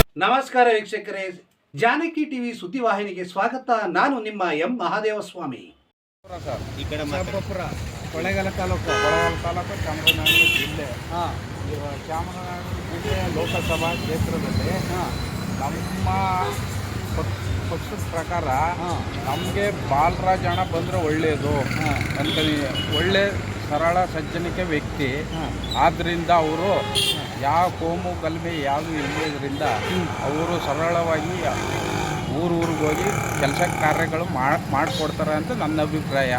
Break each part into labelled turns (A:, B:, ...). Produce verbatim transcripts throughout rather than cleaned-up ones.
A: ನಮಸ್ಕಾರ ವೀಕ್ಷಕರೇ, ಜಾನಕಿ ಟಿವಿ ಸುದ್ದಿವಾಹಿನಿಗೆ ಸ್ವಾಗತ. ನಾನು ನಿಮ್ಮ ಎಂ ಮಹಾದೇವಸ್ವಾಮಿ.
B: ಈ ಕಡೆ
C: ಚಾಮರಾಜಪುರ ಕೊಳ್ಳೇಗಾಲ ತಾಲೂಕು
B: ಕೊಳ್ಳೇಗಾಲ ತಾಲೂಕು ಚಾಮರಾಜನಗರ ಜಿಲ್ಲೆ.
C: ಹಾಂ
B: ಚಾಮರಾಜನಗರ ಜಿಲ್ಲೆ ಲೋಕಸಭಾ ಕ್ಷೇತ್ರದಲ್ಲಿ ನಮ್ಮ ಪಕ್ಷದ ಪ್ರಕಾರ ನಮಗೆ ಬಾಲರಾಜ್ ಅಣ್ಣ ಬಂದರೆ ಒಳ್ಳೆಯದು ಅಂತೀನಿ. ಒಳ್ಳೆ ಸರಳ ಸಜ್ಜನಿಕೆ ವ್ಯಕ್ತಿ. ಆದ್ದರಿಂದ ಅವರು ಯಾವ ಕೋಮು ಗಲಭೆ ಯಾವುದು ಇಲ್ಲದ್ರಿಂದ ಅವರು ಸರಳವಾಗಿ ಊರೂರಿಗೆ ಹೋಗಿ ಕೆಲಸ ಕಾರ್ಯಗಳು ಮಾಡಿಕೊಡ್ತಾರೆ ಅಂತ ನನ್ನ ಅಭಿಪ್ರಾಯ.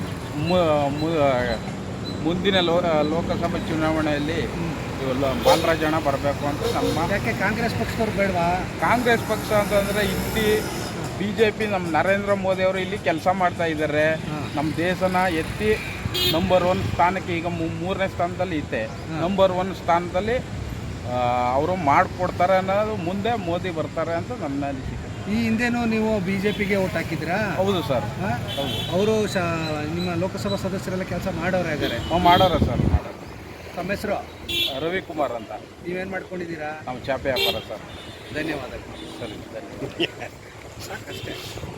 B: ಮುಂದಿನ ಲೋ ಲೋಕಸಭಾ ಚುನಾವಣೆಯಲ್ಲಿ ಬಾಲರಾಜ್ ಅಣ್ಣ ಬರಬೇಕು ಅಂತ ನಮ್ಮ.
C: ಯಾಕೆ ಕಾಂಗ್ರೆಸ್ ಪಕ್ಷದವ್ರು ಬೇಡವಾ?
B: ಕಾಂಗ್ರೆಸ್ ಪಕ್ಷ ಅಂತಂದರೆ ಇಲ್ಲಿ ಬಿ ಜೆ ಪಿ ನಮ್ಮ ನರೇಂದ್ರ ಮೋದಿ ಅವರು ಇಲ್ಲಿ ಕೆಲಸ ಮಾಡ್ತಾ ಇದ್ದಾರೆ. ನಮ್ಮ ದೇಶನ ಎತ್ತಿ ನಂಬರ್ ಒನ್ ಸ್ಥಾನಕ್ಕೆ ಈಗ ಮೂರನೇ ಸ್ಥಾನದಲ್ಲಿ ಐತೆ. ನಂಬರ್ ಒನ್ ಸ್ಥಾನದಲ್ಲಿ ಅವರು ಮಾಡಿಕೊಡ್ತಾರೆ ಅನ್ನೋದು. ಮುಂದೆ ಮೋದಿ ಬರ್ತಾರೆ ಅಂತ ನನ್ನ ಅನಿಸಿಕೆ.
C: ಈ ಹಿಂದೆನೂ ನೀವು ಬಿ ಜೆ ಪಿಗೆ ಓಟ್ ಹಾಕಿದ್ರಾ?
B: ಹೌದು ಸರ್. ಹೌದು.
C: ಅವರು ಶ ನಿಮ್ಮ ಲೋಕಸಭಾ ಸದಸ್ಯರೆಲ್ಲ ಕೆಲಸ ಮಾಡೋರು ಆಗಿದ್ದಾರೆ?
B: ನಾವು ಮಾಡೋರ ಸರ್, ಮಾಡೋರು.
C: ತಮ್ಮ ಹೆಸರು?
B: ರವಿಕುಮಾರ್ ಅಂತ.
C: ನೀವೇನು ಮಾಡ್ಕೊಂಡಿದ್ದೀರಾ?
B: ನಾವು ಚಾಪೆ ವ್ಯಾಪಾರ ಸರ್.
C: ಧನ್ಯವಾದಗಳು.
B: ಸರಿ, ಧನ್ಯವಾದ.
C: ಸಾಕಷ್ಟೇ.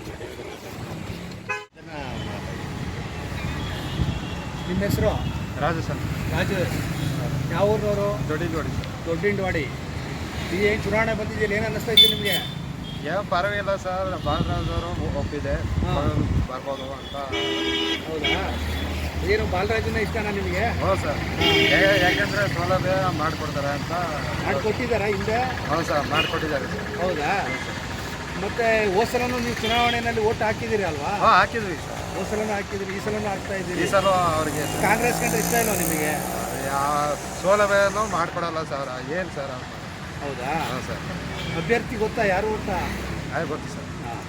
C: ನಿಮ್ಮ ಹೆಸರು?
B: ರಾಜು ಸರ್.
C: ರಾಜು. ಯಾವ ಊರಿನವರು?
B: ದೊಡ್ಡಿನವಾಡಿ ಸರ್.
C: ದೊಡ್ಡಿನವಾಡಿ. ಈ ಏನು ಚುನಾವಣೆ ಬಂದಿದೆಯಲ್ಲ, ಏನು ಅನ್ನಿಸ್ತಾ ಇತ್ತು ನಿಮಗೆ?
B: ಯಾವ ಪರವಾಗಿಲ್ಲ ಸರ್, ಬಾಲರಾಜ್ ಅವರು ಒಪ್ಪಿದೆ ಬರ್ಬೋದು ಅಂತ.
C: ಹೌದಾ? ಏನು ಬಾಲರಾಜನ ಇಷ್ಟನಾ ನಿಮಗೆ?
B: ಹೌದು ಸರ್. ಯಾಕೆಂದರೆ ಸೌಲಭ್ಯ ಮಾಡಿಕೊಡ್ತಾರೆ ಅಂತ.
C: ಮಾಡಿಕೊಟ್ಟಿದ್ದಾರಾ ಹಿಂದೆ?
B: ಹೌದು ಸರ್, ಮಾಡಿಕೊಟ್ಟಿದ್ದಾರೆ.
C: ಹೌದಾ? ಮತ್ತು ಹೋದ ಸಲನೂ ನೀವು ಚುನಾವಣೆಯಲ್ಲಿ ಓಟ್ ಹಾಕಿದ್ದೀರಿ ಅಲ್ವಾ?
B: ಹಾಂ, ಹಾಕಿದ್ವಿ ಸರ್.
C: ಹೋದ ಸಲನೂ ಹಾಕಿದ್ರಿ, ಈ ಸಲನೂ ಹಾಕ್ತಾ ಇದ್ದೀರಿ.
B: ಈ ಸಲ ಅವ್ರಿಗೆ
C: ಕಾಂಗ್ರೆಸ್ ಕಂಡ್ರೆ ಇಷ್ಟ ಇಲ್ವಾ ನಿಮಗೆ?
B: ಯಾವ ಸೌಲಭ್ಯನೂ ಮಾಡಿಕೊಡಲ್ಲ ಸರ್. ಏನು ಸರ್?
C: ಹೌದಾ?
B: ಹಾಂ ಸರ್.
C: ಅಭ್ಯರ್ಥಿ ಗೊತ್ತಾ? ಯಾರು ಗೊತ್ತಾ?
B: ಹಾಂ, ಗೊತ್ತು ಸರ್.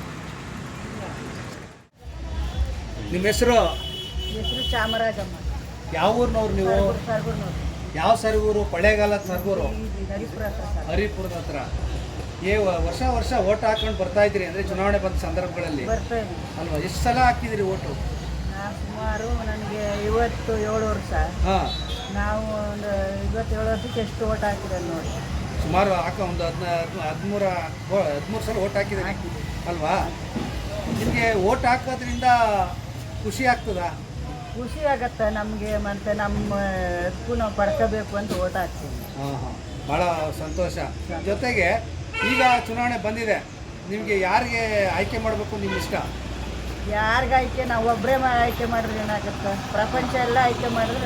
C: ನಿಮ್ಮ ಹೆಸರು?
D: ಹೆಸರು ಚಾಮರಾಜಮ್ಮ.
C: ಯಾವ ಊರಿನವ್ರು ನೀವು?
D: ಸರ್ಗೂರ್ನವ್ರು.
C: ಯಾವ ಸರ್ಗೂರು? ಕೊಳ್ಳೇಗಾಲದ ಸರ್ಗೂರು?
D: ಹರಿಪುರ ಹತ್ರ.
C: ಹರಿಪುರದ ಹತ್ರ. ಏ ವರ್ಷ ವರ್ಷ ಓಟ್ ಹಾಕೊಂಡು ಬರ್ತಾ ಇದ್ದೀರಿ ಅಂದರೆ ಚುನಾವಣೆ ಬಂದ ಸಂದರ್ಭಗಳಲ್ಲಿ
D: ಬರ್ತಾ ಇದ್ವಿ
C: ಅಲ್ವಾ? ಎಷ್ಟು ಸಲ ಹಾಕಿದಿರಿ ಓಟು?
D: ನಾವು ಸುಮಾರು ನನಗೆ ಐವತ್ತು ಏಳು ವರ್ಷ.
C: ಹಾಂ.
D: ನಾವು ಒಂದು ಐವತ್ತೇಳು ವರ್ಷಕ್ಕೆ ಎಷ್ಟು ಓಟ್ ಹಾಕಿರೋದು ನೋಡಿ.
C: ಸುಮಾರು ಹಾಕ ಒಂದು ಹದಿನ ಹದಿಮೂರ ಹದಿಮೂರು ಸಲ ಓಟ್ ಹಾಕಿದ್ದೀರಿ
D: ಹಾಕಿದ್ವಿ
C: ಅಲ್ವಾ? ನಿಮಗೆ ಓಟ್ ಹಾಕೋದ್ರಿಂದ ಖುಷಿ ಆಗ್ತದಾ?
D: ಖುಷಿ ಆಗತ್ತೆ ನಮಗೆ. ಮತ್ತು ನಮ್ಮ ಹಕ್ಕು ನಾವು ಪಡ್ಕೋಬೇಕು ಅಂತ ಓಟ್ ಹಾಕ್ತೀವಿ.
C: ಹಾಂ ಹಾಂ, ಭಾಳ ಸಂತೋಷ. ಜೊತೆಗೆ ಈಗ ಚುನಾವಣೆ ಬಂದಿದೆ, ನಿಮಗೆ ಯಾರಿಗೆ ಆಯ್ಕೆ ಮಾಡಬೇಕು ನಿಮ್ಮ ಇಷ್ಟ?
D: ಯಾರಿಗೆ ಆಯ್ಕೆ? ನಾವು ಒಬ್ಬರೇ ಆಯ್ಕೆ ಮಾಡಿದ್ರೆ ಏನಾಗುತ್ತೆ? ಪ್ರಪಂಚ ಎಲ್ಲ ಆಯ್ಕೆ ಮಾಡಿದ್ರೆ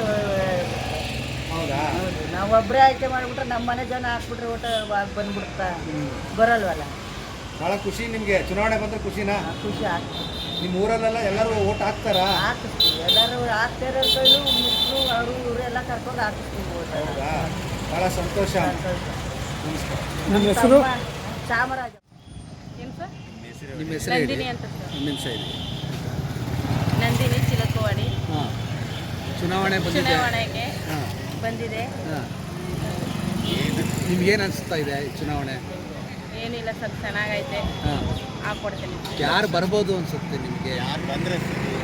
C: ಹೌದಾ?
D: ಹೌದು. ನಾವು ಒಬ್ಬರೇ ಆಯ್ಕೆ ಮಾಡಿಬಿಟ್ರೆ ನಮ್ಮ ಮನೆ ಜನ ಹಾಕ್ಬಿಟ್ರೆ ಓಟ ಬಂದ್ಬಿಡ್ತಾ ಬರಲ್ವಲ್ಲ.
C: ಭಾಳ ಖುಷಿ ನಿಮಗೆ. ಚುನಾವಣೆ ಬಂದರೆ ಖುಷಿನಾ?
D: ಖುಷಿ ಆಗ್ತದೆ.
C: ನಿಮ್ಮ ಊರಲ್ಲೆಲ್ಲ ಎಲ್ಲರೂ ಓಟ್ ಹಾಕ್ತಾರಾ?
D: ಹಾಕಿಸ್ತೀವಿ. ಎಲ್ಲರೂ ಹಾಕ್ತಾ ಇರೋ ಕೈಲು ಮುಕ್ಕಳು ಅವರು ಇವರು ಎಲ್ಲ ಕರ್ಕೊಂಡು ಹಾಕಿಸ್ತೀವಿ ಓಟ.
C: ಹೌದಾ? ಭಾಳ ಸಂತೋಷ. ನಮಸ್ಕಾರ.
D: ನಮ್ಮ ಹೆಸರು ಚಾಮರಾಜ. ಏನು ಸರ್?
C: ನಿಮ್ಮ ಹೆಸರು
D: ನಂದಿನಿ ಅಂತ ಸರ್.
C: ಒಂದು ನಿಮಿಷ ಇದೆ.
D: ನಂದಿನಿ ಚಿಲಕವಾಡಿ.
C: ಹಾಂ. ಚುನಾವಣೆ ಬಂದಿದೆ.
D: ಚುನಾವಣೆಗೆ
C: ಹಾಂ
D: ಬಂದಿದೆ.
C: ಹಾಂ. ನಿಮ್ಗೇನು ಅನಿಸ್ತಾ ಇದೆ ಈ ಚುನಾವಣೆ?
D: ಏನಿಲ್ಲ ಸರ್, ಚೆನ್ನಾಗೈತೆ.
C: ಹಾಂ.
D: ಹಾಕ್ಕೊಡ್ತೀನಿ.
C: ಯಾರು ಬರ್ಬೋದು ಅನ್ಸುತ್ತೆ ನಿಮಗೆ? ಯಾರು ಬಂದರೆ?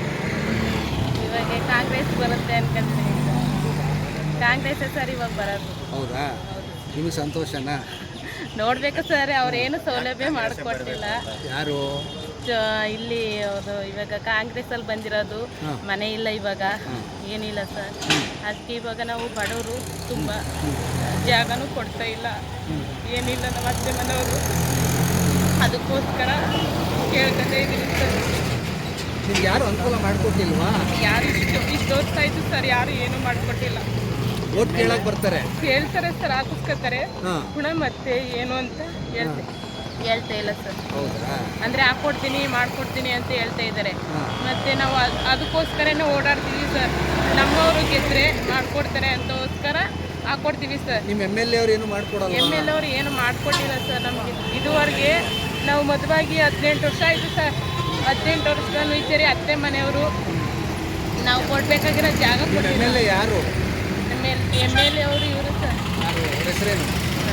D: ಇವಾಗ ಕಾಂಗ್ರೆಸ್ ಬರುತ್ತೆ ಅನ್ಕೊಂತೀನಿ. ಕಾಂಗ್ರೆಸ್ಸೇ ಸರ್ ಇವಾಗ ಬರೋದು.
C: ಹೌದಾ? ನಿಮಗೆ ಸಂತೋಷನಾ?
D: ನೋಡ್ಬೇಕು ಸರ್, ಅವ್ರೇನು ಸೌಲಭ್ಯ ಮಾಡಿಕೊಟ್ಟಿಲ್ಲ.
C: ಯಾರು?
D: ಇಲ್ಲಿ ಅದು ಇವಾಗ ಕಾಂಗ್ರೆಸ್ಸಲ್ಲಿ ಬಂದಿರೋದು ಮನೆ ಇಲ್ಲ ಇವಾಗ, ಏನಿಲ್ಲ ಸರ್. ಅದಕ್ಕೆ ಇವಾಗ ನಾವು ಬಡವರು, ತುಂಬ ಜಾಗನೂ ಕೊಡ್ತಾ ಇಲ್ಲ, ಏನಿಲ್ಲ. ನಮ್ಮ ಅತ್ತೆ ಮನೆಯವರು ಅದಕ್ಕೋಸ್ಕರ ಕೇಳ್ಕೊತಾ ಇದ್ದೀವಿ ಸರ್.
C: ನಿಮ್ಗೆ ಯಾರು ಅನುಕೂಲ ಮಾಡಿಕೊಟ್ಟಿಲ್ವಾ?
D: ಯಾರು ಇಷ್ಟು ಇಷ್ಟು ಓದ್ತಾ ಇದ್ದು ಸರ್, ಯಾರು ಏನೂ ಮಾಡಿಕೊಟ್ಟಿಲ್ಲ.
C: ಓಟ್ ಕೇಳಕ್ಕೆ ಬರ್ತಾರೆ,
D: ಕೇಳ್ತಾರೆ ಸರ್, ಹಾಕಿಸ್ಕೊತಾರೆ.
C: ಹಾಂ.
D: ಪುನಃ ಮತ್ತೆ ಏನು ಅಂತ ಹೇಳ್ತೆ ಹೇಳ್ತಾ ಇಲ್ಲ ಸರ್.
C: ಹೌದಾ?
D: ಅಂದರೆ ಹಾಕ್ಕೊಡ್ತೀನಿ ಮಾಡಿಕೊಡ್ತೀನಿ ಅಂತ ಹೇಳ್ತಾ ಇದ್ದಾರೆ.
C: ಹಾಂ.
D: ಮತ್ತು ನಾವು ಅದು ಅದಕ್ಕೋಸ್ಕರನೇ ಓಡಾಡ್ತೀವಿ ಸರ್. ನಮ್ಮವರು ಗೆದ್ದರೆ ಮಾಡಿಕೊಡ್ತಾರೆ ಅಂತೋಸ್ಕರ ಹಾಕ್ಕೊಡ್ತೀವಿ ಸರ್.
C: ನಿಮ್ಮ ಎಮ್ ಎಲ್ ಎ ಅವ್ರು ಏನು ಮಾಡಿಕೊಡಲ್ಲ?
D: ಎಮ್ ಎಲ್ ಅವರು ಏನು ಮಾಡಿಕೊಟ್ಟಿಲ್ಲ ಸರ್ ನಮಗೆ ಇದುವರೆಗೆ. ನಾವು ಮದುವಾಗಿ ಹದಿನೆಂಟು ವರ್ಷ ಆಯಿತು ಸರ್. ಹದಿನೆಂಟು ವರ್ಷದಲ್ಲೂ ಇದ್ದೀರಿ ಅತ್ತೆ ಮನೆಯವರು. ನಾವು ಕೊಡಬೇಕಾಗಿರೋ ಜಾಗ
C: ಎಮ್
D: ಕೊಟ್ಟಿಲ್ಲ.
C: ಎಲ್ ಎ ಯಾರು?
D: M L M L A ಅವರು ಇವರು ಸರ್.
C: ಯಾರು? ಅವ್ರ ಹೆಸರೇನು?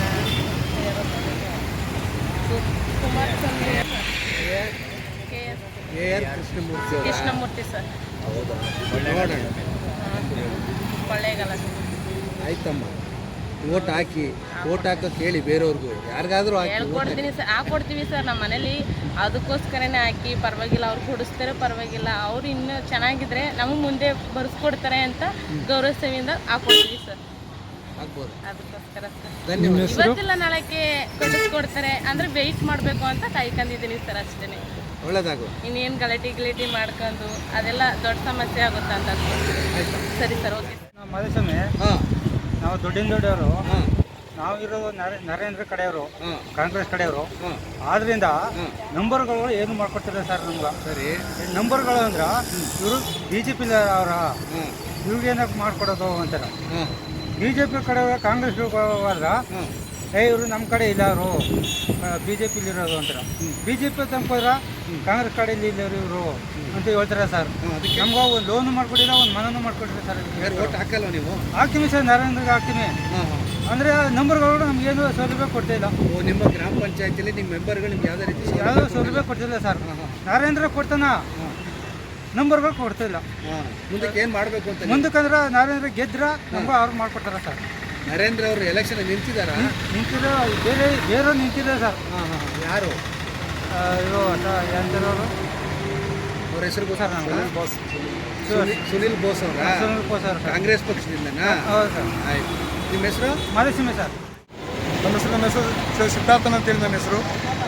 D: ಕುಮಾರಸ್ವಾಮಿ
C: ಕೆ ಆರ್ ಕೃಷ್ಣಮೂರ್ತಿ ಅವರಾ?
D: ಕೃಷ್ಣಮೂರ್ತಿ ಸರ್.
C: ಹೌದಾ? ನೋಡೋಣ.
D: ಕೊಳ್ಳೇಗಾಲ.
C: ಆಯ್ತಮ್ಮ. ಓಟ್ ಹಾಕಿ ಓಟ್ ಹಾಕೋಕೆ ಹೇಳಿ ಬೇರೆಯವ್ರಿಗೂ, ಯಾರಿಗಾದ್ರೂ ಹಾಕಿ.
D: ಹೇಳ್ಕೊಡ್ತೀನಿ ಸರ್, ಹಾಕೊಡ್ತೀವಿ ಸರ್. ನಮ್ಮ ಮನೇಲಿ ಅದಕ್ಕೋಸ್ಕರನೇ ಹಾಕಿ ಪರವಾಗಿಲ್ಲ, ಅವ್ರು ಕೊಡಿಸ್ತಾರೆ ಪರವಾಗಿಲ್ಲ, ಅವ್ರು ಇನ್ನೂ ಚೆನ್ನಾಗಿದ್ರೆ ನಮಗೆ ಮುಂದೆ ಬರ್ಸ್ಕೊಡ್ತಾರೆ ಅಂತ ಗೌರವ ಸೇವೆಯಿಂದ ಹಾಕೊಡ್ತೀವಿ ಸರ್.
C: ಆಗ್ಬೋದು.
D: ಅದಕ್ಕೋಸ್ಕರ ಸರ್
C: ಧನ್ಯವಾದ.
D: ಇವತ್ತಿಲ್ಲ ನಾಳೆಗೆ ಕೊಡಿಸ್ಕೊಡ್ತಾರೆ ಅಂದರೆ ವೆಯ್ಟ್ ಮಾಡಬೇಕು ಅಂತ ಕಾಯ್ಕೊಂಡಿದ್ದೀನಿ ಸರ್, ಅಷ್ಟೇ.
C: ಒಳ್ಳೇದಾಗು.
D: ಇನ್ನೇನು ಗಲಾಟೆ ಗಿಲಾಟಿ ಮಾಡ್ಕೊಂಡು ಅದೆಲ್ಲ ದೊಡ್ಡ ಸಮಸ್ಯೆ ಆಗುತ್ತೆ ಅಂತ. ಸರಿ ಸರ್, ಓಕೆ.
E: ನಾವು ಮಧುಸ್ವಾಮಿ,
C: ಹಾಂ
E: ನಾವು ದುಡ್ಡಿನ ದೊಡ್ಡವರು,
C: ಹಾಂ
E: ನಾವು ಇರೋದು ನರ- ನರೇಂದ್ರ ಕಡೆಯವರು,
C: ಹಾಂ
E: ಕಾಂಗ್ರೆಸ್ ಕಡೆಯವರು.
C: ಹಾಂ
E: ಆದ್ರಿಂದ
C: ಹಾಂ
E: ನಂಬರ್ಗಳು ಏನು ಮಾಡ್ಕೊಡ್ತಿಲ್ಲ ಸರ್ ನಮ್ಗೆ.
C: ಸರಿ.
E: ಈ ನಂಬರ್ಗಳು ಅಂದ್ರೆ ಇವರು ಬಿ ಜೆ ಪಿ ಅವರ
C: ಹಾಂ
E: ಇವ್ರಿಗೇನಕ್ಕೆ ಮಾಡ್ಕೊಡೋದು ಅಂತಾರೆ.
C: ಹಾಂ
E: ಬಿ ಜೆ ಪಿ ಕಡೆ ಕಾಂಗ್ರೆಸ್ ಹೋದ್ರೆ
C: ಹಾಂ
E: ಏ ಇವರು ನಮ್ಮ ಕಡೆ ಇಲ್ಲ, ಅವರು ಬಿ ಜೆ ಪಿಲಿ ಇರೋದು ಅಂತಾರೆ. ಬಿ ಜೆ ಪಿ ತಂಕೋದ್ರೆ ಕಾಂಗ್ರೆಸ್ ಕಡೆಯಲ್ಲಿ ಇಲ್ಲರು ಇವರು ಅಂತ ಹೇಳ್ತಾರೆ ಸರ್.
C: ಅದಕ್ಕೆ
E: ನಮ್ಗೆ ಒಂದು ಲೋನು ಮಾಡ್ಕೊಟ್ಟಿಲ್ಲ, ಒಂದು ಮನನೂ ಮಾಡ್ಕೊಟ್ಟಿಲ್ಲ ಸರ್.
C: ಯಾರು ಓಟ್ ಹಾಕಲ್ಲ ನೀವು?
E: ಹಾಕ್ತೀವಿ ಸರ್, ನರೇಂದ್ರಗೆ ಹಾಕ್ತೀವಿ.
C: ಹಾಂ ಹಾಂ
E: ಅಂದರೆ ನಂಬರ್ಗಳು ನಮಗೇನು ಸೌಲಭ್ಯ ಕೊಡ್ತಾ ಇಲ್ಲ.
C: ಓ, ನಿಮ್ಮ ಗ್ರಾಮ ಪಂಚಾಯತಿಲಿ ನಿಮ್ಮ ಮೆಂಬರ್ಗಳು ನಿಮ್ಗೆ ಯಾವುದೇ ರೀತಿ
E: ಯಾವುದೋ ಸೌಲಭ್ಯ ಕೊಡ್ತಿಲ್ಲ ಸರ್. ನರೇಂದ್ರ ಕೊಡ್ತಾನ, ನಂಬರ್ಗಳು ಕೊಡ್ತಿಲ್ಲ.
C: ಹಾಂ ಮುಂದಕ್ಕೆ ಏನು ಮಾಡಬೇಕು ಅಂತ?
E: ಮುಂದಕ್ಕಂದ್ರೆ ನರೇಂದ್ರ ಗೆದ್ರ ನಮ್ಗೆ ಅವ್ರು ಮಾಡ್ಕೊಡ್ತಾರೆ ಸರ್.
C: ನರೇಂದ್ರ ಅವರು ಎಲೆಕ್ಷನ್ ನಿಂತಿದ್ದಾರಾ?
E: ನಿಂತಿರೋ ಬೇರೆ ಬೇರೆ ನಿಂತಿದೆ ಸರ್.
C: ಹಾಂ ಹಾಂ ಯಾರು
E: ಆ, ಇವರು ಎಂತರವರು
C: ಅವ್ರ ಹೆಸರು
E: ಸರ್ ನಮ್ಗೆ
C: ಸುನಿಲ್ ಸುನಿಲ್ ಬೋಸ್ ಅವರ
E: ಸುನಿಲ್ ಬೋಸ್ ಅವರು ಸರ್.
C: ಕಾಂಗ್ರೆಸ್ ಪಕ್ಷದಿಂದನಾ?
E: ಹೌದು ಸರ್.
C: ಆಯ್ತು. ನಿಮ್ಮ ಹೆಸರು?
E: ಮಧುಸ್ವಾಮಿ ಸರ್.
F: ನನ್ನ ಹೆಸರು ನನ್ನ ಹೆಸರು ಸಿ- ಸಿದ್ಧಾರ್ಥನ್ ಅಂತೇಳಿ ನನ್ನ ಹೆಸರು.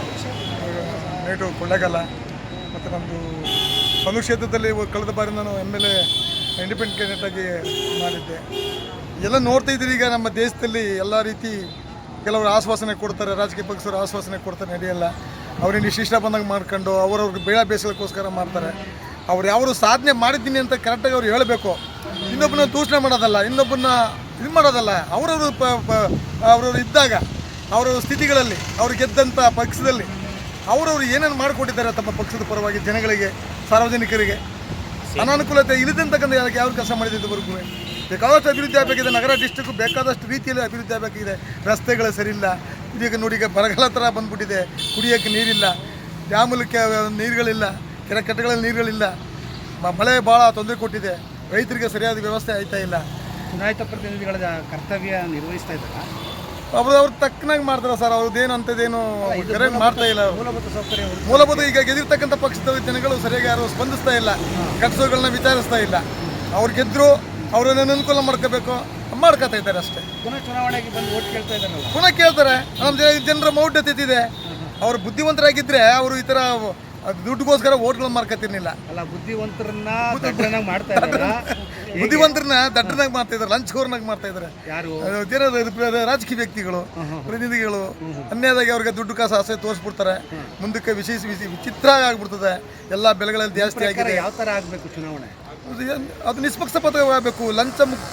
F: ನೇಟು ಕೊಳ್ಳೇಗಾಲ. ಮತ್ತು ನಮ್ಮದು ಒಂದು ಕ್ಷೇತ್ರದಲ್ಲಿ ಕಳೆದ ಬಾರಿ ನಾನು M L A independent candidate ಆಗಿ ಮಾಡಿದ್ದೆ. ಎಲ್ಲ ನೋಡ್ತಾ ಇದ್ದೀರಿ, ಈಗ ನಮ್ಮ ದೇಶದಲ್ಲಿ ಎಲ್ಲ ರೀತಿ ಕೆಲವರು ಆಶ್ವಾಸನೆ ಕೊಡ್ತಾರೆ, ರಾಜಕೀಯ ಪಕ್ಷರು ಆಶ್ವಾಸನೆ ಕೊಡ್ತಾರೆ, ನಡೆಯಲ್ಲ. ಅವ್ರೇನು ಇಷ್ಟ ಬಂದಂಗೆ ಮಾಡ್ಕೊಂಡು ಅವರವ್ರಿಗೆ ಬೇಳೆ ಬೇಯಿಸೋಕ್ಕೋಸ್ಕರ ಮಾಡ್ತಾರೆ. ಅವ್ರು ಯಾವರು ಸಾಧನೆ ಮಾಡಿದ್ದೀನಿ ಅಂತ ಕರೆಕ್ಟಾಗಿ ಅವ್ರು ಹೇಳಬೇಕು. ಇನ್ನೊಬ್ಬನ ದೂಷಣೆ ಮಾಡೋದಲ್ಲ, ಇನ್ನೊಬ್ಬನ ಇದು ಮಾಡೋದಲ್ಲ. ಅವರವರು ಪ ಅವರವರು ಇದ್ದಾಗ ಅವರವ್ರ ಸ್ಥಿತಿಗಳಲ್ಲಿ ಅವ್ರು ಗೆದ್ದಂಥ ಪಕ್ಷದಲ್ಲಿ ಅವರವರು ಏನೇನು ಮಾಡಿಕೊಟ್ಟಿದ್ದಾರೆ ತಮ್ಮ ಪಕ್ಷದ ಪರವಾಗಿ ಜನಗಳಿಗೆ, ಸಾರ್ವಜನಿಕರಿಗೆ ಅನಾನುಕೂಲತೆ ಇಲ್ಲದಂತಕ್ಕಂಥ ಯಾವ ಕೆಲಸ ಮಾಡಿದ್ದವರೆಗೂ ಬೇಕಾದಷ್ಟು ಅಭಿವೃದ್ಧಿ ಆಗಬೇಕಿದೆ. ನಗರ ಡಿಸ್ಟ್ರಿಕ್ಕು ಬೇಕಾದಷ್ಟು ರೀತಿಯಲ್ಲಿ ಅಭಿವೃದ್ಧಿ ಆಗಬೇಕಿದೆ. ರಸ್ತೆಗಳು ಸರಿಯಿಲ್ಲ. ಈಗ ನೋಡಿ, ಈಗ ಬರಗಾಲ ಥರ ಬಂದ್ಬಿಟ್ಟಿದೆ. ಕುಡಿಯೋಕ್ಕೆ ನೀರಿಲ್ಲ, ಡ್ಯಾಮಲ್ಲಿ ನೀರುಗಳಿಲ್ಲ, ಕೆರೆ ಕಟ್ಟೆಗಳಲ್ಲಿ ನೀರುಗಳಿಲ್ಲ. ಮ- ಮಳೆ ಭಾಳ ತೊಂದರೆ ಕೊಟ್ಟಿದೆ. ರೈತರಿಗೆ ಸರಿಯಾದ ವ್ಯವಸ್ಥೆ ಆಯ್ತಾ ಇಲ್ಲ.
C: ಚುನಾಯಿತ ಪ್ರತಿನಿಧಿಗಳ ಕರ್ತವ್ಯ ನಿರ್ವಹಿಸ್ತಾ ಇದ್ದಾರೆ.
F: ಅವರು ಅವ್ರು ತಕ್ಕನಾಗಿ ಮಾಡ್ತಾರೆ ಸರ್. ಅವ್ರದ್ದೇನು ಅಂಥದ್ದೇನು ಕರೆಕ್ಟ್ ಮಾಡ್ತಾ ಇಲ್ಲ.
C: ಮೂಲಭೂತ ಸೌಕರ್ಯ
F: ಮೂಲಭೂತ ಈಗ ಗೆದ್ದಿರ್ತಕ್ಕಂಥ ಪಕ್ಷದ ಜನಗಳು ಸರಿಯಾಗಿ ಯಾರು ಸ್ಪಂದಿಸ್ತಾ ಇಲ್ಲ, ಕಟ್ಟಸೋಗಳನ್ನ ವಿಚಾರಿಸ್ತಾ ಇಲ್ಲ. ಅವ್ರು ಗೆದ್ದರು, ಅವ್ರನ್ನ ಅನುಕೂಲ ಮಾಡ್ಕೋಬೇಕು, ಮಾಡ್ಕೋತಾ ಇದ್ದಾರೆ ಅಷ್ಟೇ.
C: ಪುನಃ ಚುನಾವಣೆಗೆ ಬಂದು ಓಟ್ ಕೇಳ್ತಾ ಇದ್ದಾರಲ್ಲ.
F: ಪುನಃ ಕೇಳ್ತಾರೆ. ನಮ್ಮ ಜನ- ಜನರ ಮೌಢ್ಯತೆ ಇದೆ. ಅವರು ಬುದ್ಧಿವಂತರಾಗಿದ್ದರೆ ಅವರು ಈ ಥರ ದುಡ್ಡುಗೋಸ್ಕರ ಓಟ್ಗಳನ್ನ ಮಾರ್ಕೋತಿರ್ಲಿಲ್ಲ.
C: ಅಲ್ಲ, ಬುದ್ಧಿವಂತರನ್ನ ದಡ್ಡನಾಗಿ ಮಾಡ್ತಾ ಇದ್ದಾರಾ?
F: ಬುದ್ಧಿವಂತರನ್ನ ದಡ್ಡನಾಗಿ ಮಾಡ್ತಾ ಇದ್ದಾರೆ, ಲಂಚ್ಕೋರ್ನಾಗಿ ಮಾಡ್ತಾ ಇದ್ದಾರೆ.
C: ಯಾರು?
F: ಜನ ರಾಜಕೀಯ ವ್ಯಕ್ತಿಗಳು, ಪ್ರತಿನಿಧಿಗಳು ಅನ್ಯಾಯದಾಗಿ ಅವ್ರಿಗೆ ದುಡ್ಡು ಕಾಸು ಆಸೆ ತೋರಿಸ್ಬಿಡ್ತಾರೆ. ಮುಂದಕ್ಕೆ ವಿಶೇಷ ವಿಶಿ ವಿಚಿತ್ರ ಆಗ್ಬಿಡ್ತದೆ. ಎಲ್ಲ ಬೆಲೆಗಳಲ್ಲಿ ಜಾಸ್ತಿ ಆಗಿದೆ.
C: ಯಾವ ಥರ ಆಗಬೇಕು ಚುನಾವಣೆ?
F: ಅದು ಏನ್- ಅದು ನಿಷ್ಪಕ್ಷಪಾತವಾಗಬೇಕು, ಲಂಚ ಮುಕ್ತ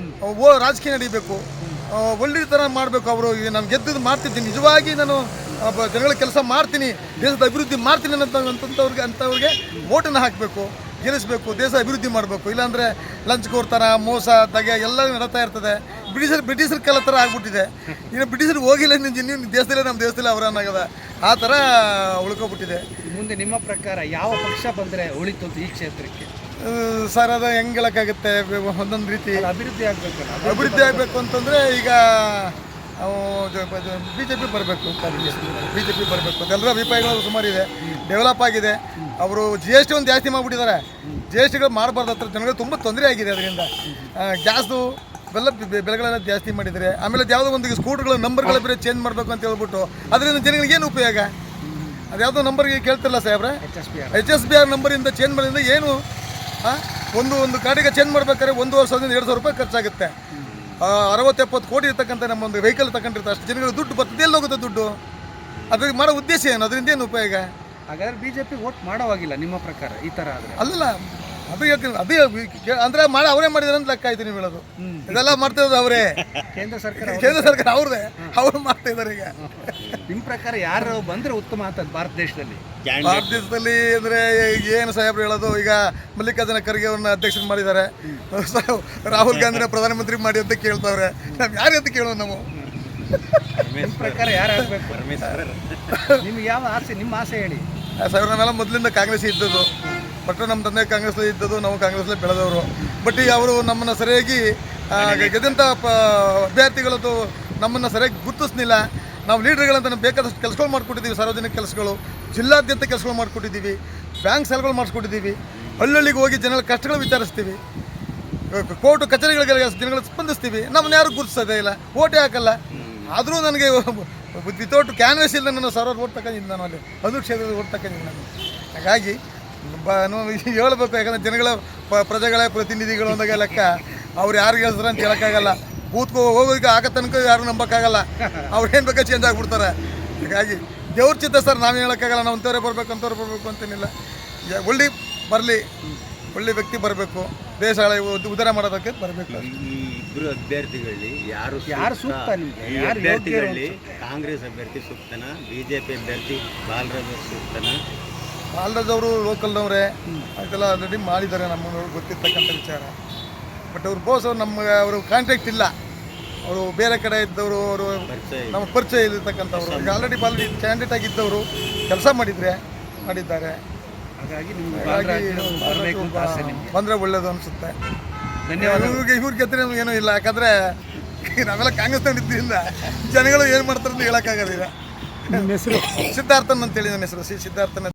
F: ಓ ರಾಜಕೀಯ ನಡೀಬೇಕು, ಒಳ್ಳೆ ಥರ ಮಾಡಬೇಕು. ಅವರು ನಾನು ಗೆದ್ದು ಮಾಡ್ತಿದ್ದೀನಿ, ನಿಜವಾಗಿ ನಾನು ಒಬ್ಬ ಜನಗಳ ಕೆಲಸ ಮಾಡ್ತೀನಿ, ದೇಶದ ಅಭಿವೃದ್ಧಿ ಮಾಡ್ತೀನಿ ಅನ್ನೋ ಅಂತವ್ರಿಗೆ ಅಂಥವ್ರಿಗೆ ಓಟನ್ನು ಹಾಕಬೇಕು, ಗೆಲ್ಲಿಸಬೇಕು, ದೇಶ ಅಭಿವೃದ್ಧಿ ಮಾಡಬೇಕು. ಇಲ್ಲಾಂದರೆ ಲಂಚ್ ಕೋರ್ತಾರ, ಮೋಸ, ದಗೆ ಎಲ್ಲ ನಡೀತಾ ಇರ್ತದೆ. ಬ್ರಿಟಿಷರ್ ಬ್ರಿಟಿಷರ ಕಾಲ ಥರ ಆಗ್ಬಿಟ್ಟಿದೆ. ಇನ್ನು ಬ್ರಿಟಿಷರಿಗೆ ಹೋಗಿಲ್ಲ, ನೀವು ದೇಶದಲ್ಲೇ ನಮ್ಮ ದೇಶದಲ್ಲೇ ಅವರನ್ನಾಗದ ಆ ಥರ ಉಳ್ಕೊಬಿಟ್ಟಿದೆ.
C: ಮುಂದೆ ನಿಮ್ಮ ಪ್ರಕಾರ ಯಾವ ಪಕ್ಷ ಬಂದರೆ ಉಳಿತು ಅಂತ ಈ ಕ್ಷೇತ್ರಕ್ಕೆ?
F: ಸರ್, ಅದು ಹೆಂಗೆ ಹೇಳೋಕ್ಕಾಗುತ್ತೆ? ಒಂದೊಂದು ರೀತಿ
C: ಅಭಿವೃದ್ಧಿ ಆಗಬೇಕಲ್ಲ.
F: ಅಭಿವೃದ್ಧಿ ಆಗಬೇಕು ಅಂತಂದರೆ ಈಗ ಬಿ ಜೆ ಪಿ ಬರಬೇಕು, ಬಿ ಜೆ ಪಿ ಬರಬೇಕು ಅಂತ ಎಲ್ಲರ ಅಭಿಪ್ರಾಯಗಳು ಸುಮಾರಿದೆ. ಡೆವಲಪ್ ಆಗಿದೆ. ಅವರು ಜಿ ಎಸ್ ಟಿ ಒಂದು ಜಾಸ್ತಿ ಮಾಡಿಬಿಟ್ಟಿದ್ದಾರೆ. ಜಿ ಎಸ್ ಟಿಗಳು ಮಾಡಬಾರ್ದು, ಹತ್ರ ಜನಗಳಿಗೆ ತುಂಬ ತೊಂದರೆ ಆಗಿದೆ. ಅದರಿಂದ ಗ್ಯಾಸ್ದು ಬೆಲ್ಲ ಬೆಲೆಗಳೆಲ್ಲ ಜಾಸ್ತಿ ಮಾಡಿದ್ದಾರೆ. ಆಮೇಲೆ ಯಾವುದೋ ಒಂದು ಸ್ಕೂಟರ್ಗಳ ನಂಬರ್ಗಳ ಬೇರೆ ಚೇಂಜ್ ಮಾಡಬೇಕು ಅಂತ ಹೇಳ್ಬಿಟ್ಟು ಅದರಿಂದ ಜನಗಳಿಗೆ ಏನು ಉಪಯೋಗ? ಅದು ಯಾವುದೋ ನಂಬರ್ಗೆ ಕೇಳ್ತಿರಲ್ಲ ಸಾಹೇಬ್ರೆ,
C: H S B R
F: H S B R ನಂಬರಿಂದ ಚೇಂಜ್ ಮಾಡೋದ್ರಿಂದ ಏನು? ಒಂದು ಒಂದು ಗಾಡಿಗೆ ಚೇಂಜ್ ಮಾಡ್ಬೇಕಾದ್ರೆ ಒಂದೂವರೆ ಸಾವಿರದಿಂದ ಎರಡು ಸಾವಿರ ರೂಪಾಯಿ ಖರ್ಚಾಗುತ್ತೆ. ಅರವತ್ತು ಎಪ್ಪತ್ತು ಕೋಟಿ ಇರ್ತಕ್ಕಂಥ ನಮ್ಮ ಒಂದು ವೆಹಿಕಲ್ ತಗೊಂಡಿರ್ತಾರೆ. ಅಷ್ಟು ಜನಗಳು ದುಡ್ಡು ಬರ್ತದೆ, ಎಲ್ಲಿ ಹೋಗುತ್ತೆ ದುಡ್ಡು? ಅದ್ರಿಗೆ ಮಾಡೋ ಉದ್ದೇಶ ಏನು? ಅದರಿಂದ ಏನು ಉಪಯೋಗ?
C: ಹಾಗಾದ್ರೆ ಬಿ ಜೆ ಪಿ ವೋಟ್ ಮಾಡೋವಾಗಿಲ್ಲ ನಿಮ್ಮ ಪ್ರಕಾರ ಈ ಥರ ಆದರೆ?
F: ಅಲ್ಲಲ್ಲ, ಅದು ಹೇಳ್ತೀನಿ, ಅದೇ ಅಂದರೆ ಮಾಡಿ ಅವರೇ ಮಾಡಿದಾರೆ ಅಂತ ಲೆಕ್ಕ ಆಯ್ತು ನೀವು ಹೇಳೋದು. ಇದೆಲ್ಲ ಮಾಡ್ತಾ ಇರೋದು ಅವರೇ,
C: ಕೇಂದ್ರ ಸರ್ಕಾರ.
F: ಕೇಂದ್ರ ಸರ್ಕಾರ ಅವ್ರದೇ, ಅವರು ಮಾಡ್ತಾ ಇದ್ದಾರೆ. ಈಗ
C: ನಿಮ್ಮ ಪ್ರಕಾರ ಯಾರು ಬಂದರೆ ಉತ್ತಮ ಅಂತ ಭಾರತ ದೇಶದಲ್ಲಿ?
F: ಭಾರತ ದೇಶದಲ್ಲಿ ಅಂದರೆ ಏನು ಸಾಹೇಬ್ರು ಹೇಳೋದು? ಈಗ ಮಲ್ಲಿಕಾರ್ಜುನ ಖರ್ಗೆ ಅವ್ರನ್ನ ಅಧ್ಯಕ್ಷರು ಮಾಡಿದ್ದಾರೆ, ರಾಹುಲ್ ಗಾಂಧಿನ ಪ್ರಧಾನಮಂತ್ರಿ ಮಾಡಿ ಅಂತ ಕೇಳ್ತಾವ್ರೆ. ನಾವು ಯಾರು ಅಂತ ಕೇಳೋದು ನಾವು?
C: ನಿಮ್ಮ ಪ್ರಕಾರ ಯಾರು ಆಗಬೇಕು? ನಿಮ್ಗೆ ಯಾವ ಆಸೆ? ನಿಮ್ಮ ಆಸೆ ಹೇಳಿ.
F: ಸಾವಿರ ನಾವೆಲ್ಲ ಮೊದಲಿಂದ ಕಾಂಗ್ರೆಸ್ ಇದ್ದದ್ದು, ಬಟ್ ನಮ್ಮ ತಂದೆ ಕಾಂಗ್ರೆಸ್ಲೇ ಇದ್ದದ್ದು, ನಾವು ಕಾಂಗ್ರೆಸ್ಲೇ ಬೆಳೆದವರು. ಬಟ್ ಈಗ ಅವರು ನಮ್ಮನ್ನು ಸರಿಯಾಗಿ ಆ, ಗೆದ್ದಂಥ ಪ ಅಭ್ಯರ್ಥಿಗಳದ್ದು ನಮ್ಮನ್ನು ಸರಿಯಾಗಿ ಗುರುತಿಸ್ಲಿಲ್ಲ. ನಾವು ಲೀಡರ್ಗಳಂತ ನಮ್ಗೆ ಬೇಕಾದಷ್ಟು ಕೆಲಸಗಳು ಮಾಡಿಕೊಟ್ಟಿದ್ದೀವಿ, ಸಾರ್ವಜನಿಕ ಕೆಲಸಗಳು, ಜಿಲ್ಲಾದ್ಯಂತ ಕೆಲಸಗಳು ಮಾಡಿಕೊಟ್ಟಿದ್ದೀವಿ, ಬ್ಯಾಂಕ್ ಸಾಲಗಳು ಮಾಡಿಸ್ಕೊಟ್ಟಿದ್ದೀವಿ, ಹಳ್ಳಿಗೆ ಹೋಗಿ ಜನಗಳ ಕಷ್ಟಗಳು ವಿಚಾರಿಸ್ತೀವಿ, ಕೋರ್ಟು ಕಚೇರಿಗಳಿಗೆ ಜನಗಳು ಸ್ಪಂದಿಸ್ತೀವಿ. ನಮ್ಮನ್ನ ಯಾರು ಗುರುತಿಸೋದೇ ಇಲ್ಲ, ಓಟೇ ಹಾಕಲ್ಲ. ಆದರೂ ನನಗೆ ವಿತೌಟ್ ಕ್ಯಾನ್ವೇಸ್ ಇಲ್ಲ, ನಾನು ಸಾವಿರಾರು ಓಟ್ ತಗೊಂಡಿದ್ದು, ನಾನು ಅಲ್ಲಿ ಒಂದು ಕ್ಷೇತ್ರದ ಓಟ್ ತಗೊಂಡಿದ್ದು ನಾನು. ಹಾಗಾಗಿ ಬ ಹೇಳ್ಬೇಕು, ಯಾಕಂದರೆ ಜನಗಳ ಪ ಪ್ರಜೆಗಳ ಪ್ರತಿನಿಧಿಗಳು ಅಂದಾಗ ಲೆಕ್ಕ ಅವ್ರು ಯಾರು ಹೇಳ್ತಾರೆ ಅಂತ ಹೇಳೋಕ್ಕಾಗಲ್ಲ. ಬೂತ್ಕೋ ಹೋಗೋದಕ್ಕೆ ಆಗ ತನಕ ಯಾರು ನಂಬೋಕ್ಕಾಗಲ್ಲ, ಅವ್ರು ಏನು ಬೇಕಾ ಚೇಂಜ್ ಆಗಿಬಿಡ್ತಾರೆ. ಹೀಗಾಗಿ ದೇವ್ರ ಚಿತ್ತ ಸರ್, ನಾವೇನು ಹೇಳೋಕ್ಕಾಗಲ್ಲ. ನಾವು ಅಂಥವ್ರೆ ಬರಬೇಕು ಅಂಥವ್ರು ಬರಬೇಕು ಅಂತೇನಿಲ್ಲ. ಒಳ್ಳೆ ಬರಲಿ, ಒಳ್ಳೆ ವ್ಯಕ್ತಿ ಬರಬೇಕು, ದೇಶ ಉದ್ಧಾರ ಮಾಡೋದಕ್ಕೆ ಬರಬೇಕು.
G: ಈ ಇಬ್ಬರು ಅಭ್ಯರ್ಥಿಗಳಲ್ಲಿ ಯಾರು
C: ಯಾರು ಸೂಕ್ತ ನಿಮಗೆ?
G: ಈ ಅಭ್ಯರ್ಥಿಗಳಲ್ಲಿ ಕಾಂಗ್ರೆಸ್ ಅಭ್ಯರ್ಥಿ ಸೂಕ್ತನ, ಬಿಜೆಪಿ ಅಭ್ಯರ್ಥಿ ಬಾಲರಾಜ್ ಸೂಕ್ತನ?
F: ಬಾಲರಾಜ್ ಅವರು ಲೋಕಲ್ನವರೇ, ಅದೆಲ್ಲ ಆಲ್ರೆಡಿ ಮಾಡಿದ್ದಾರೆ, ನಮ್ಮನ್ನು ಗೊತ್ತಿರ್ತಕ್ಕಂಥ ವಿಚಾರ. ಬಟ್ ಅವ್ರು ಬೋಸ್ ಅವ್ರು ನಮ್ಗೆ ಅವರು ಕಾಂಟ್ಯಾಕ್ಟ್ ಇಲ್ಲ, ಅವರು ಬೇರೆ ಕಡೆ ಇದ್ದವರು, ಅವರು ನಮಗೆ ಪರಿಚಯ ಇರತಕ್ಕಂಥವ್ರು. ಈಗ ಆಲ್ರೆಡಿ ಬಾಲ್ರೆಡಿ ಕ್ಯಾಂಡಿಡೇಟ್ ಆಗಿದ್ದವರು ಕೆಲಸ ಮಾಡಿದರೆ ಮಾಡಿದ್ದಾರೆ.
C: ಹಾಗಾಗಿ ನಿಮ್ಗೆ
F: ಹಾಗಾಗಿ
C: ಬರಬೇಕು ಅಂತ ಆಸೆ ನಿಮ್ಗೆ.
F: ಬಂದರೆ ಒಳ್ಳೇದು ಅನಿಸುತ್ತೆ.
C: ಧನ್ಯವಾದ.
F: ಇವ್ರಿಗೆ ಇವ್ರಿಗೆ ಗೆದ್ದರೆ ಏನೂ ಇಲ್ಲ, ಯಾಕಂದರೆ ನಾವೆಲ್ಲ ಕಾಂಗ್ರೆಸ್ನಲ್ಲಿ ಇದ್ದರಿಂದ ಜನಗಳು ಏನು ಮಾಡ್ತಾರೆ ಅಂತ ಹೇಳೋಕ್ಕಾಗೋದಿಲ್ಲ.
E: ನಿಮ್ಮ ಹೆಸರು?
F: ಸಿದ್ಧಾರ್ಥನ್ ಅಂತೇಳಿ ನನ್ನ ಹೆಸರು, ಸಿ ಸಿದ್ಧಾರ್ಥನ್.